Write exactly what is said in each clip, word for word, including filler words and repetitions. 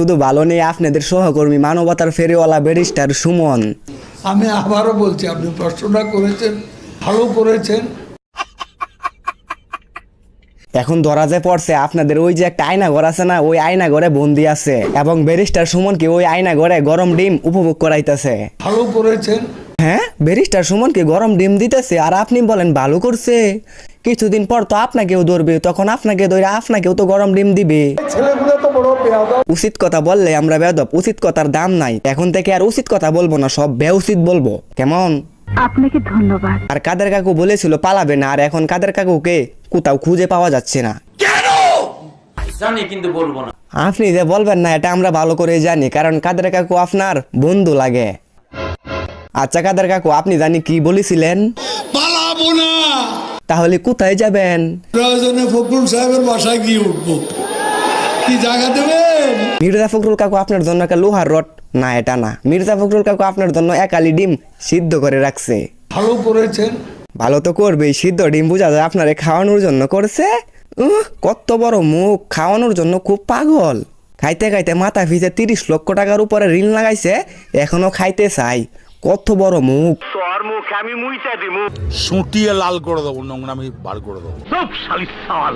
শুধু ভালো নেই আপনাদের সহকর্মী মানবতার ফেরিওয়ালা ব্যারিস্টার সুমন। আমি আবারও বলছি, আপনি প্রশ্নটা করেছেন, ভালো করেছেন। এখন ধরা যে পড়ছে আপনাদের ওই যে একটা আয়না ঘর আছে না, ওই আয়না ঘরে বন্দি আছে এবং ব্যারিস্টার সুমনকে ওই আয়না ঘরে গরম ডিম উপভোগ করাইতেছে। ভালো করেছেন। হ্যাঁ, ব্যারিস্টার সুমনকে গরম ডিম দিতেছে আর আপনি বলেন ভালো করছে। কিছুদিন পর তো আপনাকেও ধরবে, তখন আপনাকে ধরে আপনাকেও তো গরম ডিম দিবে। ছেলেগুলো তো বড় বেয়াদব। উচিত কথা বললে আমরা বেয়াদব, উচিত কথার দাম নাই। এখন থেকে আর উচিত কথা বলবো না, সব বেউচিত বলবো, কেমন? আপনাকে ধন্যবাদ। আর কাদের কাকু বলেছিল পালাবে না, আর এখন কাদের কাকুকে কোথাও খুঁজে পাওয়া যাচ্ছে না। কেন জানি কিন্তু বলবো না। আপনি যে বলবেন না এটা আমরা ভালো করে জানি, কারণ কাদের কাকু আপনার বন্ধু লাগে। আচ্ছা কাদের কাকু, আপনি জানি কি বলেছিলেন? পালাবো না, তাহলে কোথায় যাবেন? প্রয়োজনে ফখরুল সাহেবের বাসায় গিয়ে উঠবো। কি জায়গা দেবেন? মির্জা ফখরুল কাকু আপনার জন্য একটা লোহার রড, না এটা না, মির্জা ফখরুল কাকু আপনার জন্য একালি ডিম সিদ্ধ করে রাখছে। ভালো করেছেন। ভালো তো করবেই, সিদ্ধ ডিম বোঝা যায় আপনারে খাওয়ানোর জন্য করছে। উহ, কত বড় মুখ, খাওয়ানোর জন্য খুব পাগল। খাইতে খাইতে মাথা ফিসে তিরিশ লক্ষ টাকার উপরে ঋণ লাগাইছে, এখনো খাইতে চাই। কত বড় মুখ। তোর মুখ আমি মুইতে দিমু, সুটিয়ে লাল করে দেবো, নোংরা আমি বার করে দেবো। সব শালি সাল।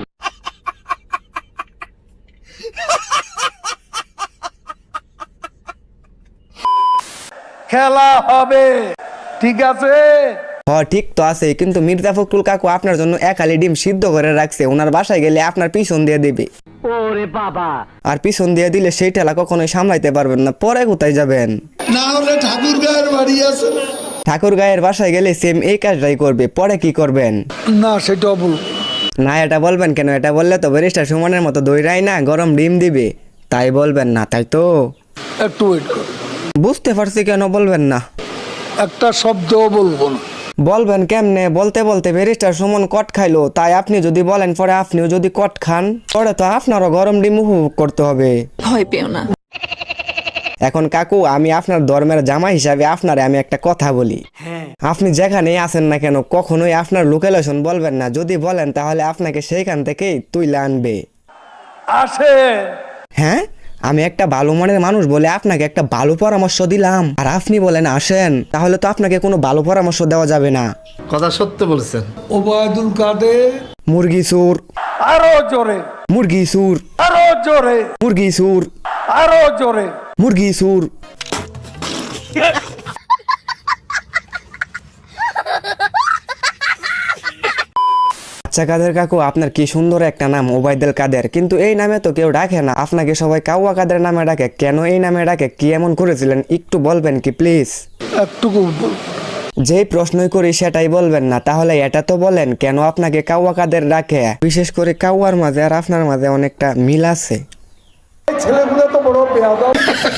খেলা হবে, ঠিক আছে? হ ঠিক তো আছে, কিন্তু মির্জা ফখরুল কাকু আপনার জন্য একালি ডিম সিদ্ধ করে রাখছে। ওনার বাসায় গেলে আপনার পিছন দিয়ে দিবে। ওরে বাবা, আর পিছন দিয়ে দিলে সেই ঠেলা কখনোই সামলাইতে পারবেন না। পরে কোথায় যাবেন? না হলে ঠাকুর গায়ের বাড়ি আছে না? ঠাকুর গায়ের বাসায় গেলে সেম এই কাজটাই করবে। পরে কি করবেন? না, সেটাও বল না এটা বলবেন কেন? এটা বললে তো ব্যারিস্টার সুমনের মতো দইরাই না গরম ডিম দিবে, তাই বলবেন না, তাই তো? একটু ওয়েট কর। বুঝতে পারছি, কেন বলবেন না? একটা শব্দও বলবো না। বলবেন কেমনে? বলতে বলতে ব্যারিস্টার সুমন কট খাইলো, তাই আপনি যদি বলেন পরে আপনিও যদি কট খান, পরে তো আপনারও গরম ডিম উপভোগ করতে হবে। ভয় পেও না। এখন কাকু, আমি আপনার ধর্মের জামা হিসাবে আপনারে আমি একটা কথা বলি। আপনি যেখানেই আছেন না কেন কখনোই আপনার লোকেশন বলবেন না। যদি বলেন তাহলে আপনাকে সেইখান থেকেই তুইলে আনবে। আসে। হ্যাঁ, আমি একটা ভালো মনের মানুষ বলে আপনাকে একটা ভালো পরামর্শ দিলাম, আর আপনি বলেন আসেন, তাহলে তো আপনাকে কোনো ভালো পরামর্শ দেওয়া যাবে না। কথা সত্য বলছেন। ওবায়দুল কাদের। মুরগি সুর, আরো জোরে, মুরগি সুর, আরো জোরে, মুরগি সুর, আরো জোরে। মুরগি সুর। আচ্ছা কাদের কাকু, আপনার কি সুন্দর একটা নাম, ওবায়দুল কাদের, কিন্তু এই নামে তো কেউ ডাকে না। আপনাকে সবাই কাউয়া কাদের নামে ডাকে, কেন এই নামে ডাকে? কি এমন করেছিলেন একটু বলবেন কি প্লিজ? একটুকু বল। যেই প্রশ্নই করি সেটাই বলবেন না, তাহলে এটা তো বলেন কেন আপনাকে কাউয়া কাদের ডাকে? বিশেষ করে কাউয়ার মাঝে আর আপনার মাঝে অনেকটা মিল আছে। ছেলেগুলো তো বড় বেয়াদব।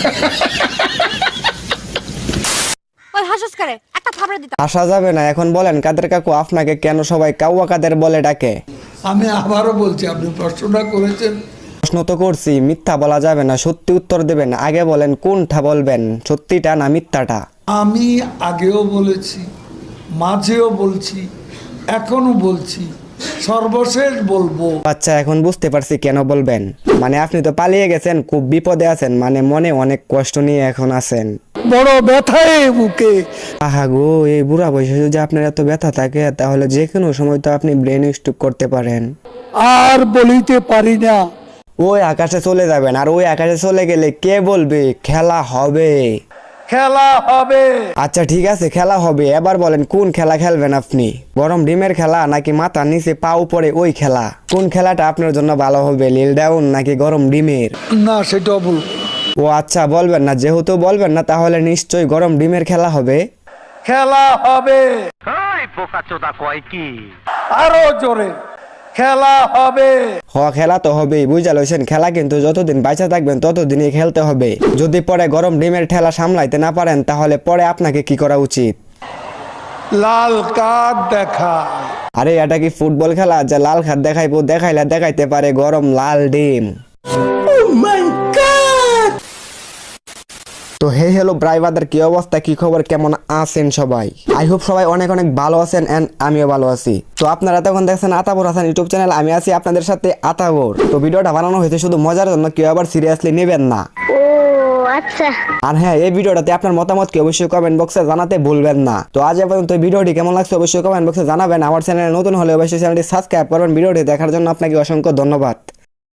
ওই হাসস করে একটা থাপড়া দিতাম। আসা যাবে না। এখন বলেন কাদের কাকু, আপনাকে কেন সবাই কাউয়া কাদের বলে ডাকে? আমি আবারও বলছি, আপনি প্রশ্নটা করেছেন। প্রশ্ন তো করছি, মিথ্যা বলা যাবে না, সত্যি উত্তর দেবেন। আগে বলেন কোনটা বলবেন, সত্যিটা না মিথ্যাটা? আমি আগেও বলেছি, মাঝেও বলছি, এখনো বলছি, সর্বশেষ বলবো। আচ্ছা এখন বুঝতে পারছি কেন বলবেন। মানে আপনি তো পালিয়ে গেছেন, খুব বিপদে আছেন, মানে মনে অনেক কষ্ট নিয়ে এখন আছেন। বড় ব্যথায় বুকে। আহা গো, এই বুড়া বয়সে যদি আপনার এত ব্যথা থাকে, তাহলে যে কোনো সময় তো আপনি ব্রেন স্ট্রোক করতে পারেন। আর বলিতে পারি না। ওই আকাশে চলে যাবেন, আর ওই আকাশে চলে গেলে কে বলবে খেলা হবে? খেলা হবে। আচ্ছা ঠিক আছে, খেলা হবে। এবার বলেন কোন খেলা খেলবেন আপনি? গরম ডিমের খেলা নাকি মাথার নিচে পা উপরে ওই খেলা? কোন খেলাটা আপনার জন্য ভালো হবে, লিল ডাউন নাকি গরম ডিমের? না, সেটাও বলবো। ও আচ্ছা বলবেন না, যেহেতু বলবেন না তাহলে নিশ্চয়ই গরম ডিমের খেলা হবে। খেলা হবে। ওই পোকা চোদা কয় কি? আরো জোরে, খেলা হবে। হ খেলা তো হবেই, বুঝা লইছেন। খেলা কিন্তু যতদিন বাইচা থাকবেন ততদিনই খেলতে হবে। যদি পরে গরম ডিমের ঠেলা সামলাইতে না পারেন, তাহলে পরে আপনাকে কি করা উচিত? লাল কার্ড দেখা। আরে এটা কি ফুটবল খেলা যে লাল কার্ড দেখাইবো? দেখাইলে দেখাইতে পারে গরম লাল ডিম। তো হে হ্যালো ব্রাইভারদের, কি অবস্থা, কি খবর, কেমন আছেন সবাই? আই হোপ সবাই অনেক অনেক ভালো আছেন, এন্ড আমিও ভালো আছি। তো আপনারা তখন দেখছেন আতাবর হাসান ইউটিউব চ্যানেল, আমি আছি আপনাদের সাথে আতাবর। তো ভিডিওটা বানানো হয়েছে শুধু মজার জন্য, কেউ আবার সিরিয়াসলি নেবেন না। ও আচ্ছা। আর হ্যাঁ, এই ভিডিওটাতে আপনার মতামতকে অবশ্যই কমেন্ট বক্সে জানাতে ভুলবেন না। তো আজ এ পর্যন্ত এই ভিডিওটি কেমন লাগছে অবশ্যই কমেন্ট বক্সে জানাবেন। আমার চ্যানেলে নতুন হলে অবশ্যই চ্যানেলটি সাবস্ক্রাইব করবেন। ভিডিওটি দেখার জন্য আপনাকে অসংখ্য ধন্যবাদ।